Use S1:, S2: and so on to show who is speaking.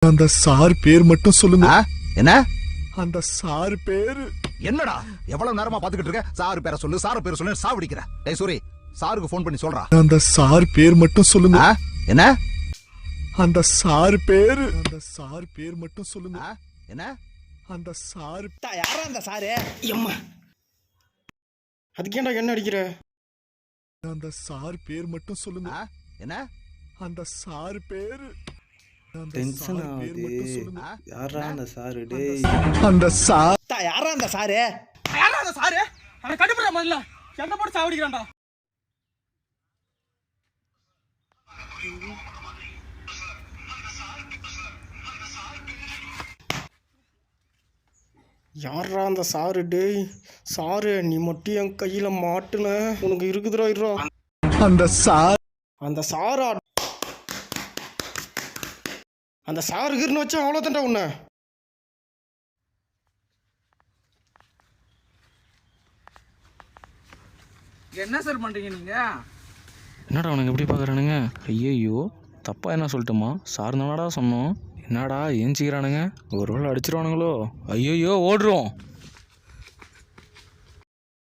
S1: அந்த சார் பேர் மட்டும் சொல்லுங்க.
S2: என்ன?
S1: அந்த சார் பேரு
S2: என்னடா எவ்வளவு நேரமா பாத்துக்கிட்டு இருக்க? சார் பேரை சொல்லு, சார் பேரை சொல்லு, சாவடிக்கிற. டேய் சூரி, சாருக்கு ஃபோன் பண்ணி சொல்றா.
S1: அந்த சார் பேர் மட்டும் சொல்லுங்க.
S2: என்ன?
S1: அந்த சார் பேரு, அந்த சார் பேர் மட்டும் சொல்லுங்க.
S2: என்ன?
S1: அந்த சார்
S3: யாரா அந்த சாரு? அம்மா, அதுக்கேண்டா என்ன அடிக்கிற?
S1: அந்த சார் பேர் மட்டும் சொல்லுங்க.
S2: என்ன?
S1: அந்த சார் பேரு
S3: டென்ஷன் ஆகுது. யாரா அந்த சாரு? டேய்
S1: அந்த சார்
S3: யாரா அந்த சாரு?
S4: யாரா அந்த சாரு? அவனை கண்டுபிடிச்சா முதல்ல எந்த போட்டு சாவடிக்கிறான்டா.
S3: யாரா அந்த சாரு? டேய் சாரு, நீ மட்டும் என் கையில மாட்டுன உனக்கு இருக்குதுடா. இருறா
S1: அந்த சார்,
S3: அந்த சாரா? அந்த சாருக்குன்னு வச்சா அவ்வளோ தண்டா உன்ன.
S4: என்ன சார் பண்றீங்க நீங்க?
S5: என்னடா அவனுக்கு எப்படி பார்க்குறானுங்க? ஐயோ தப்பா என்ன சொல்லட்டுமா? சார் தானடா சொன்னோம். என்னடா ஏஞ்சிக்கிறானுங்க? ஒரு வேளை அடிச்சிருவானுங்களோ? ஐயோ ஓடுறோம்.